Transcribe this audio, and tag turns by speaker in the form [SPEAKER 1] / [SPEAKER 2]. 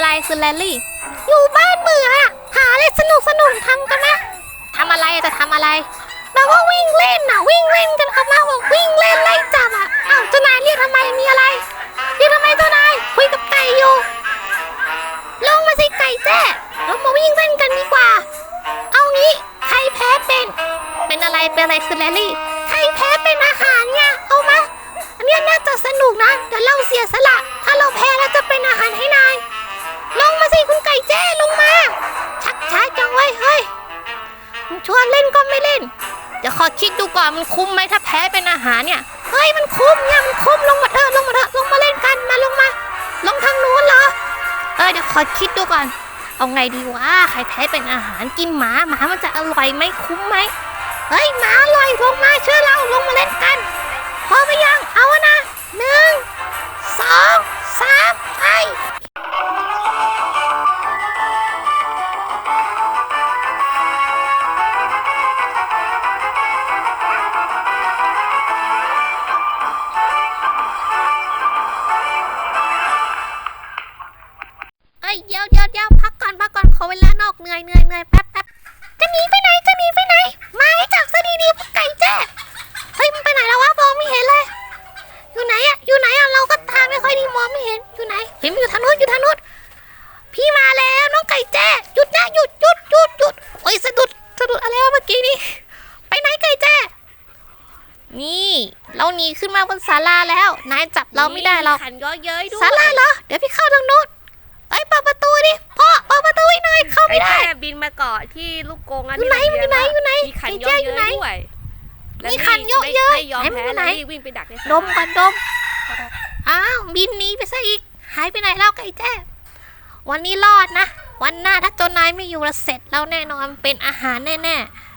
[SPEAKER 1] คือแลลี่อยู่บ้านเบื่อหาอะไรสนุกทำกันนะทำอะไรจะทำอะไรแบบว่าวิ่งเล่นวิ่งเล่นกันครับมาบอกวิ่งเล่นไล่จับอ้าวเจ้านายเรียกทำไมมีอะไรเรียกทำไมเจ้านายคุยกับไก่อยู่ลงมาสิไก่แจ้ลงมาวิ่งเล่นกันดีกว่าเอางี้ใครแพ้เป็นอะไรคือแลลี่ใครแพ้เป็นอาหารเนี่ยเอามาอันนี้น่าจะสนุกนะเดี๋ยวเราเสียสละถ้าเราแพ้เราจะเป็นอาหารให้นายลงมาสิคุณไก่แจ้ลงมาชักช้าจังเว้ยเฮ้ยชวนเล่นก็ไม่เล่นเดี๋ยวขอคิดดูก่อนมันคุ้มไหมถ้าแพ้เป็นอาหารเนี่ยเฮ้ยมันคุ้มเนี่ยมันคุ้มลงมาเถอะลงมาเล่นกันมาลงทางนู้นเหรอเดี๋ยวขอคิดดูก่อนเอาไงดีวะใครแพ้เป็นอาหารกินหมามันจะอร่อยไหมคุ้มไหมเฮ้ยหมาอร่อยลงมาเชื่อเราลงมาเล่นกันพร้อมหรือยังเอานะ1 2 3ไปเดี๋ยวพักก่อนขอเวลานอกเหนื่อยแป๊บจะหนีไปไหนมาให้จับซะดีๆไก่แจ้เฮ้ยมันไปไหนแล้ววะมองไม่เห็นเลยอยู่ไหนเราก็ตาไม่ค่อยดีมองไม่เห็นอยู่ไหนเห็นอยู่ทางนู้นพี่มาแล้วน้องไก่แจ้หยุดนะหยุดโอ้ยสะดุดอะไรวะเมื่อกี้นี้ไปไหนไก่แจ้นี่เราหนีขึ้นมาบนศาลาแล้วนายจับเราไม่ได้หรอก
[SPEAKER 2] ขันเยอะเย้ยด้วย
[SPEAKER 1] ศาลาเหรอเดี๋ยวพี่เข้าทางนู้นเปิดประตูดิพ่อเปิดประตูให้หน่อยเข้าไม่ได้
[SPEAKER 2] บินมาเกาะที่ลูกกง
[SPEAKER 1] อยู่ไหน
[SPEAKER 2] มีขันเยอะเย้ยด้วย
[SPEAKER 1] มีขันเยอะเย้ย
[SPEAKER 2] ไม่ยอมแพ้แล้ววิ่งไปดักในศาลา
[SPEAKER 1] ดมอ้าวบินหนีไปซะอีกหายไปไหนแล้วไก่แจ้วันนี้รอดนะวันหน้าถ้าเจ้านายไม่อยู่ละเสร็จแล้วแน่นอนเป็นอาหารแน่ๆ